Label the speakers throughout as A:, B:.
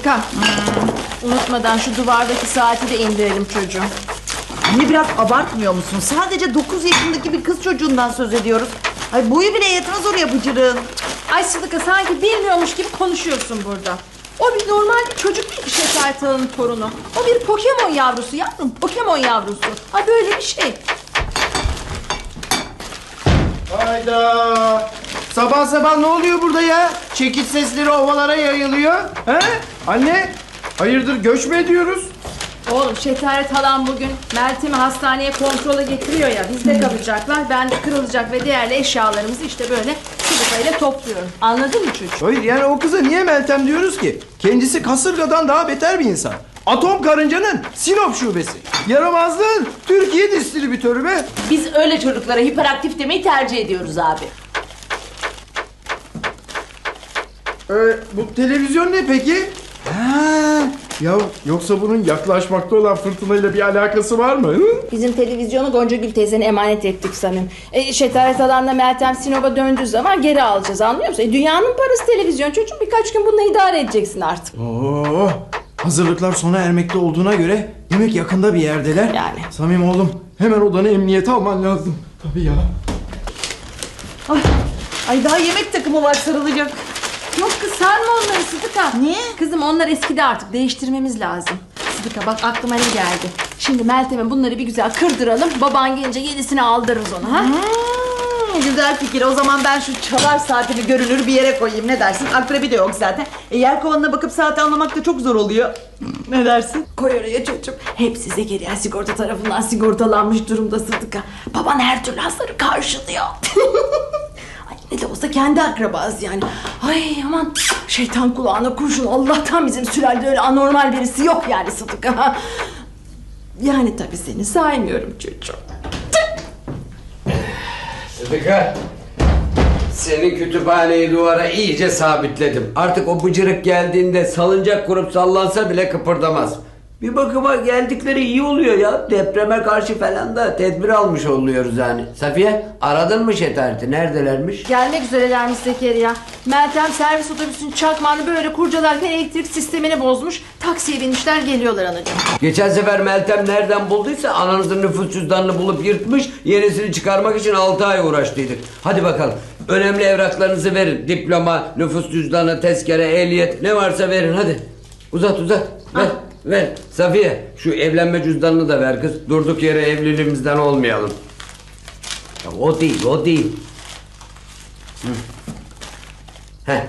A: Sıdıka. Unutmadan şu duvardaki saati de indirelim çocuğum.
B: Anne biraz abartmıyor musun? Sadece 9 yaşındaki bir kız çocuğundan söz ediyoruz. Ay boyu bile yetmez oraya bıcırığın.
A: Ay Sıdıka sanki bilmiyormuş gibi konuşuyorsun burada. O bir normal bir çocuk değil ki Şeker Tala'nın torunu. O bir Pokemon yavrusu yavrum. Pokemon yavrusu. Ay böyle bir şey.
C: Hayda! Sabah sabah ne oluyor burada ya? Çekiç sesleri ovalara yayılıyor. He? Anne, hayırdır göç mü ediyoruz?
A: Oğlum Şetaret halam bugün Meltem'i hastaneye kontrola getiriyor ya. Bizde kalacaklar. Ben de kırılacak ve değerli eşyalarımızı işte böyle Sıdıka ile topluyorum. Anladın mı çocuk?
C: Hayır yani o kıza niye Meltem diyoruz ki? Kendisi kasırgadan daha beter bir insan. Atom karıncanın Sinop şubesi. Yaramazlığın Türkiye distribütörü be.
D: Biz öyle çocuklara hiperaktif demeyi tercih ediyoruz abi.
C: Bu televizyon ne peki? Ha, ya yoksa bunun yaklaşmakta olan fırtınayla bir alakası var mı? Hı?
A: Bizim televizyonu Goncagül teyzene emanet ettik Samim. Şetaret halanla Meltem Sinop'a döndüğü zaman geri alacağız, anlıyor musun? Dünyanın parası televizyon çocuğum, birkaç gün bununla idare edeceksin artık.
C: Oo, hazırlıklar sona ermekte olduğuna göre demek yakında bir yerdeler.
A: Yani.
C: Samim oğlum hemen odanı emniyete alman lazım. Tabii ya.
B: Ay daha yemek takımı var sarılacak.
A: Yok kız sarma onları Sıdıka.
B: Niye?
A: Kızım onlar eskidi artık, değiştirmemiz lazım. Sıdıka bak aklıma ne geldi. Şimdi Meltem'e bunları bir güzel kırdıralım. Baban gelince yenisini aldırırız ona ha.
B: Güzel fikir. O zaman ben şu çalar saatimi görünür bir yere koyayım. Ne dersin? Akrebi de yok zaten. Yer kovanına bakıp saati anlamak da çok zor oluyor. Ne dersin?
A: Koy oraya çocuğum. Hepsi Zekeriya Sigorta tarafından sigortalanmış durumda Sıdıka. Baban her türlü hasarı karşılıyor. Ay ne de olsa kendi akrabası yani. Ay aman şeytan kulağına kurşun. Allah'tan bizim sülalde öyle anormal birisi yok yani Sıdıka. Yani tabii seni saymıyorum çocuğum.
E: Sıdıka, senin kütüphaneyi duvara iyice sabitledim. Artık o bıcırık geldiğinde salıncak kurup sallansa bile kıpırdamaz. Bir bakıma geldikleri iyi oluyor ya. Depreme karşı falan da tedbir almış oluyoruz yani. Safiye, aradın mı Şetaret'i? Neredelermiş?
A: Gelmek üzerelermiş Zekeriya. Meltem servis otobüsünün çakmağını böyle kurcalarken elektrik sistemini bozmuş. Taksiye binmişler, geliyorlar anacığım.
E: Geçen sefer Meltem nereden bulduysa ananızın nüfus cüzdanını bulup yırtmış. Yenisini çıkarmak için 6 ay uğraştıydık. Hadi bakalım. Önemli evraklarınızı verin. Diploma, nüfus cüzdanı, tezkere, ehliyet ne varsa verin hadi. Uzat. Ver. Ver. Safiye şu evlenme cüzdanını da ver kız. Durduk yere evliliğimizden olmayalım. Ya o değil. Hı. Heh.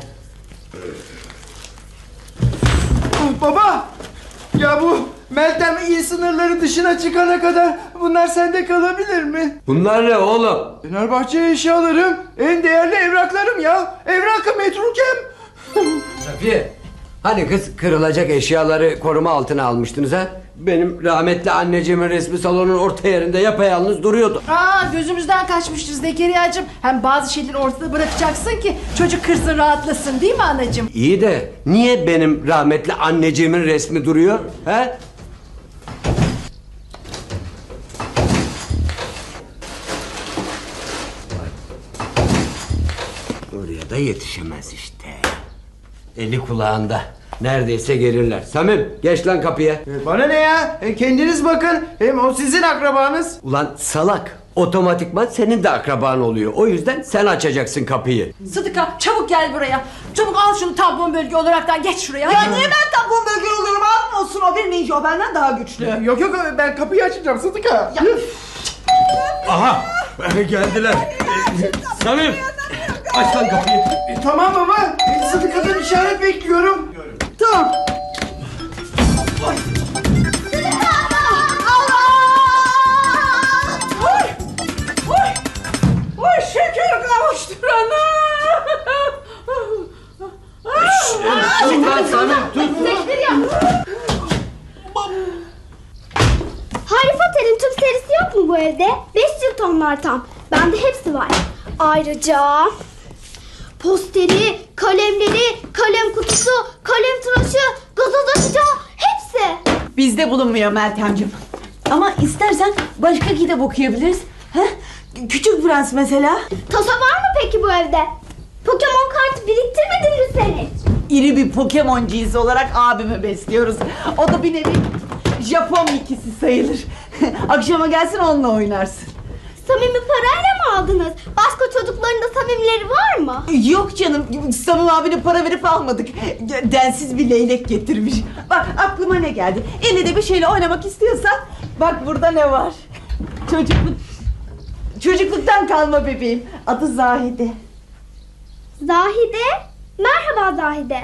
C: Baba! Ya bu Meltem il sınırları dışına çıkana kadar bunlar sende kalabilir mi?
E: Bunlar ne oğlum?
C: Fenerbahçe eşyalarım, en değerli evraklarım ya. Evrakı metrukem.
E: Safiye, hani kız kırılacak eşyaları koruma altına almıştınız ha? Benim rahmetli anneciğimin resmi salonun orta yerinde yapayalnız duruyordu.
A: Gözümüzden kaçmıştır Zekeriya'cığım. Hem bazı şeyleri ortada bırakacaksın ki çocuk kırsın, rahatlasın, değil mi anacığım?
E: İyi de niye benim rahmetli anneciğimin resmi duruyor? He? Oraya da yetişemez işte. Eli kulağında. Neredeyse gelirler. Samim geç lan kapıya.
C: Bana ne ya? Kendiniz bakın. Hem o sizin akrabanız.
E: Ulan salak. Otomatikman senin de akraban oluyor. O yüzden sen açacaksın kapıyı.
A: Sıdıka çabuk gel buraya. Çabuk al şunu tampon bölge olaraktan, geç şuraya.
B: Ya niye ben tampon bölge oluyorum? Abim olsun, o bir ninja, o benden daha güçlü.
C: Yok ben kapıyı açacağım Sıdıka.
E: Aha geldiler. Samim aç lan kapıyı.
C: Tamam baba. Sıdıka'dan işaret bekliyorum. Tamam.
A: Oy şeker kavuşturana.
E: Tut lan Samim tut.
F: Harry Potter'in tüm serisi yok mu bu evde? 5 cilt onlar tam. Bende hepsi var. Ayrıca posteri, kalemleri, kalem kutusu, kalem tıraşı, gazoz açacağı hepsi.
D: Bizde bulunmuyor Meltemciğim. Ama istersen başka kitap okuyabiliriz. Heh? Küçük Prens mesela.
F: Tasa var mı peki bu evde? Pokemon kartı biriktirmedin mi sen hiç?
D: iri bir Pokemoncuyuz olarak abimi besliyoruz. O da bir nevi Japon ikisi sayılır. Akşama gelsin onunla oynarsın.
F: Samimi parayla mı aldınız? Başka çocukların da samimileri var mı?
D: Yok canım, Samim abine para verip almadık. Densiz bir leylek getirmiş. Bak aklıma ne geldi. Elle de bir şeyle oynamak istiyorsan bak burada ne var. Çocukluktan kalma bebeğim. Adı Zahide.
F: Zahide? Merhaba Zahide.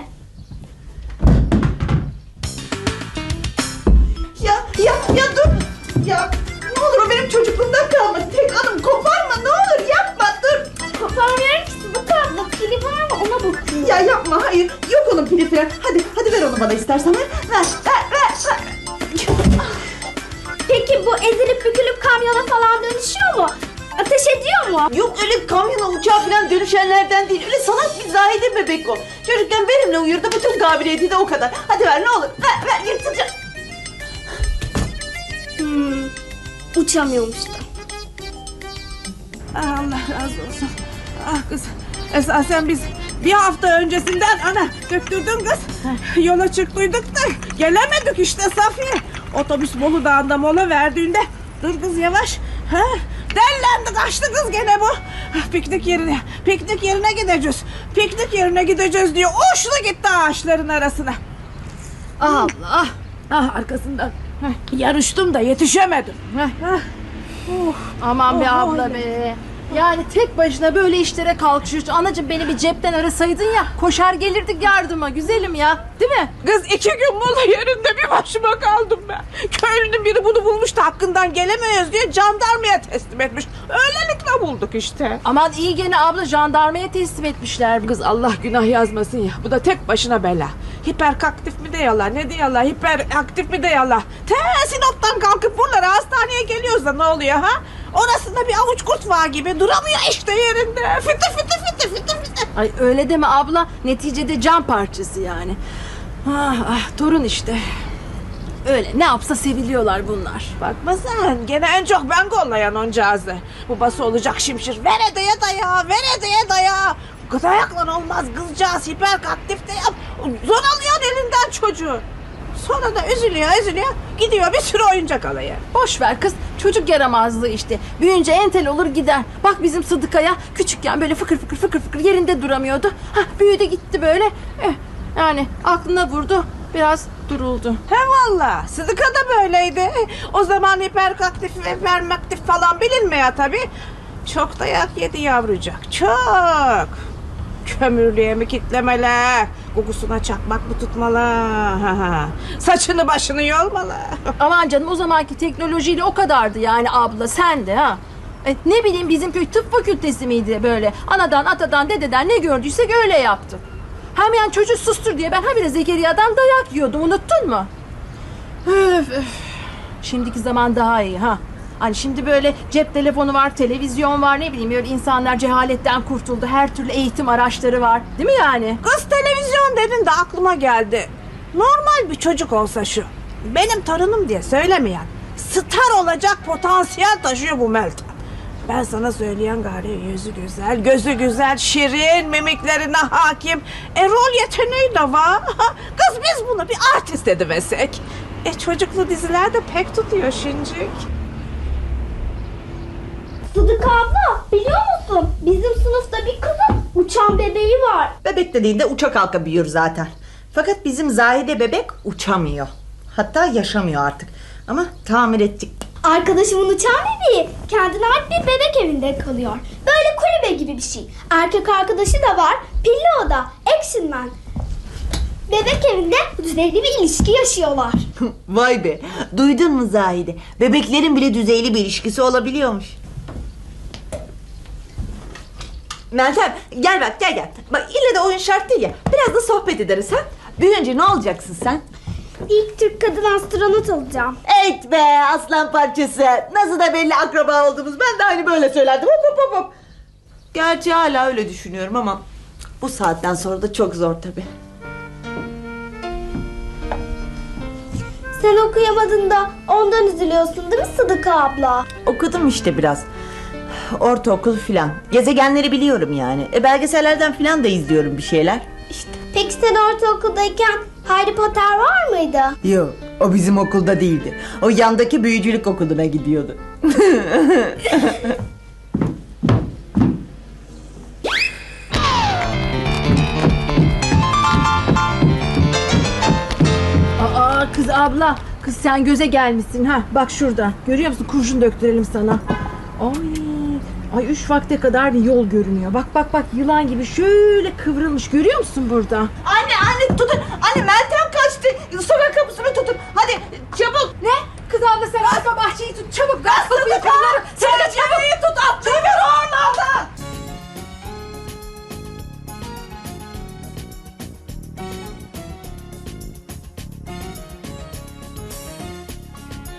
D: Ya dur. Ya ne olur o benim çocukluğumdan kalma. Tek hanım koparma ne olur yapma dur.
F: Koparmıyorum ki Sıdıka abla. Pili var mı ona bakıyorum.
D: Ya yapma hayır. Yok onun pili falan. Hadi ver onu bana istersen. Ver.
F: Peki bu ezilip bükülüp kamyona falan dönüşüyor mu? Ateş ediyor mu?
D: Yok öyle kamyona uçağa falan dönüşenlerden değil. Öyle salak bir Zahide bebek o. Çocukken benimle uyurdu. Bütün kabiliyeti de o kadar. Hadi ver ne olur. Ver yırtacağım.
F: Uçamıyormuş da.
G: Allah razı olsun. Ah kız. Esasen biz bir hafta öncesinden döktürdün kız. Yola çıktıydık da gelemedik işte Safiye. Otobüs Bolu Dağı'nda mola verdiğinde dur kız yavaş. Ha? Dellendi kaçtı kız gene bu. Piknik yerine gideceğiz. Piknik yerine gideceğiz diyor. Uçtu gitti ağaçların arasına. Allah. Arkasından. Yarıştım da yetişemedim.
A: Aman be abla be. Yani tek başına böyle işlere kalkışıyorsun. Anacığım beni bir cepten arasaydın ya. Koşar gelirdik yardıma güzelim ya. Değil mi?
G: Kız 2 gün mola yerinde bir başıma kaldım ben. Köylünün biri bunu bulmuş da hakkından gelemiyoruz diye jandarmaya teslim etmiş. Öylelikle bulduk işte.
A: Aman iyi gene abla jandarmaya teslim etmişler.
G: Kız Allah günah yazmasın ya. Bu da tek başına bela. Hiperaktif mi de yala ne de yala. Hiperaktif mi de yala. Sinop'tan kalkıp buralara hastaneye geliyoruz da ne oluyor ha? Orasında bir avuç kurt var gibi duramıyor işte yerinde. Fıtı.
A: Ay öyle deme abla. Neticede can parçası yani. Torun işte. Öyle ne yapsa seviliyorlar bunlar.
G: Bakma sen gene en çok ben kollayan oncağızı. Babası olacak şimşir. Ver edeye daya. Bu dayakla olmaz kızcağız hiperaktif de yap. Zor alıyorsun elinden çocuğu. Sonra da üzülüyor gidiyor bir sürü oyuncak alıyor.
A: Boş ver kız. Çocuk yaramazlığı işte. Büyünce entel olur gider. Bak bizim Sıdıkaya küçükken böyle fıkır fıkır yerinde duramıyordu. Büyüdü gitti böyle. Yani aklına vurdu. Biraz duruldu.
G: He valla Sıdıka da böyleydi. O zaman hiperaktif ve hipermaktif falan bilinmiyor tabii. Çok dayak yedi yavrucak. Çok. Kömürlüğe mi kitlemeler? Kokusuna çakmak mı tutmalı? Saçını başını yolmalı.
A: Aman canım o zamanki teknolojiyle o kadardı yani abla sen de ha. Ne bileyim bizim köy tıp fakültesi miydi böyle? Anadan atadan dededen ne gördüysek öyle yaptık. Hem yani çocuğu sustur diye ben habire Zekeriya'dan dayak yiyordum unuttun mu? Öf. Şimdiki zaman daha iyi ha. Hani şimdi böyle cep telefonu var, televizyon var ne bileyim böyle insanlar cehaletten kurtuldu. Her türlü eğitim araçları var. Değil mi yani?
G: Kız televizyon dedin de aklıma geldi. Normal bir çocuk olsa şu. Benim torunum diye söylemeyen. Star olacak potansiyel taşıyor bu Meltem. Ben sana söyleyen gari yüzü güzel, gözü güzel, şirin, mimiklerine hakim. Rol yeteneği de var. Kız biz bunu bir artist edemezsek. Çocuklu dizilerde pek tutuyor şincik.
F: Sıdıka abla biliyor musun? Bizim sınıfta bir kızın uçan bebeği var.
B: Bebek dediğinde uçak halka büyür zaten. Fakat bizim Zahide bebek uçamıyor. Hatta yaşamıyor artık. Ama tamir ettik.
F: Arkadaşımın uçan bebeği kendine ait bir bebek evinde kalıyor. Böyle kulübe gibi bir şey. Erkek arkadaşı da var. Pilli o da. Action Man. Bebek evinde düzenli bir ilişki yaşıyorlar.
B: Vay be. Duydun mu Zahide? Bebeklerin bile düzeyli bir ilişkisi olabiliyormuş. Meltem gel bak gel. Bak ille de oyun şart değil ya. Biraz da sohbet ederiz ha. Büyüyünce ne olacaksın sen?
F: İlk Türk kadın astronot olacağım.
B: Evet be aslan parçası. Nasıl da belli akraba olduğumuz. Ben de aynı böyle söylerdim. Hop. Gerçi hala öyle düşünüyorum ama bu saatten sonra da çok zor tabii.
F: Sen okuyamadın da ondan üzülüyorsun değil mi Sıdıka abla?
B: Okudum işte biraz. Ortaokul filan. Gezegenleri biliyorum yani. Belgesellerden filan da izliyorum bir şeyler. İşte.
F: Peki sen ortaokuldayken Harry Potter var mıydı?
B: Yok, o bizim okulda değildi. O yandaki büyücülük okuluna gidiyordu.
A: Aa kız abla. Kız sen göze gelmişsin ha. Bak şurada. Görüyor musun? Kurşun döktürelim sana. Ay 3 vakte kadar bir yol görünüyor. Bak yılan gibi şöyle kıvrılmış. Görüyor musun burada?
B: Anne tutun. Anne Meltem kaçtı. Sokak kapısını tutun. Hadi çabuk.
A: Ne? Kız abla sen arka bahçeyi tut. Çabuk gaz kapıyı kolları.